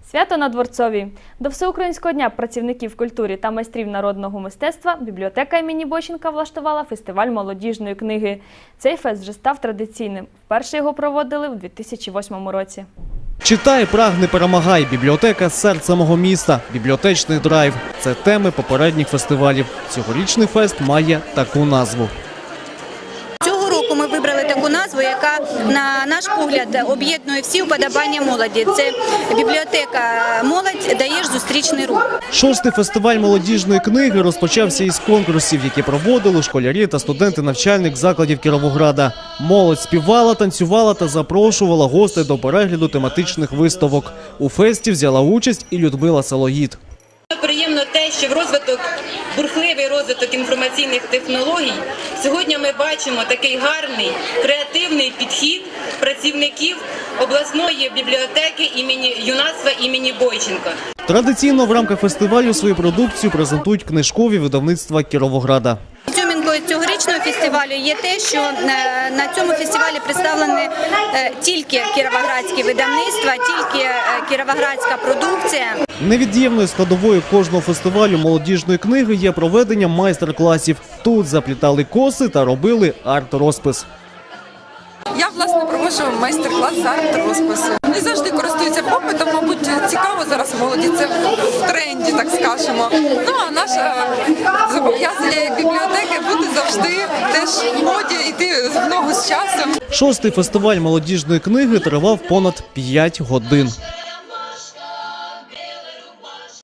Свято на Дворцовій. До Всеукраїнського дня працівників культури та майстрів народного мистецтва бібліотека імені Бойченка влаштувала фестиваль молодіжної книги. Цей фест вже став традиційним. Вперше його проводили у 2008 році. Читай, прагни, перемагай. Бібліотека – серце мого міста. Бібліотечний драйв – це теми попередніх фестивалів. Цьогорічний фест має таку назву. Цього року ми вибрали таку назву, яка, на наш погляд, об'єднує всі уподобання молоді. Це бібліотека «Молодь. Даєш зустрічний рух». Шостий фестиваль молодіжної книги розпочався із конкурсів, які проводили школярі та студенти навчальних закладів Кіровограда. Молодь співала, танцювала та запрошувала гостей до перегляду тематичних виставок. У фесті взяла участь і Людмила Салоїд. Приємно те, що бурхливий розвиток інформаційних технологій, сьогодні ми бачимо такий гарний, креативний підхід працівників обласної бібліотеки юнацтва імені Бойченка. Традиційно в рамках фестивалю свою продукцію презентують книжкові видавництва Кіровограда. Ізюмінкою цьогорічного фестивалю є те, що на цьому фестивалі представлені тільки кіровоградські видавництва, тільки кіровоградська продукція. Невід'ємною складовою кожного фестивалю молодіжної книги є проведення майстер-класів. Тут заплітали коси та робили арт-розпис. Я, власне, проводжу майстер-клас з арт-розпису. Не завжди користуються попитом, мабуть, цікаво зараз молоді, це в тренді, так скажемо. Ну, а наше зобов'язання як бібліотеки бути завжди теж в моді, йти в ногу з часом. Шостий фестиваль молодіжної книги тривав понад 5 годин.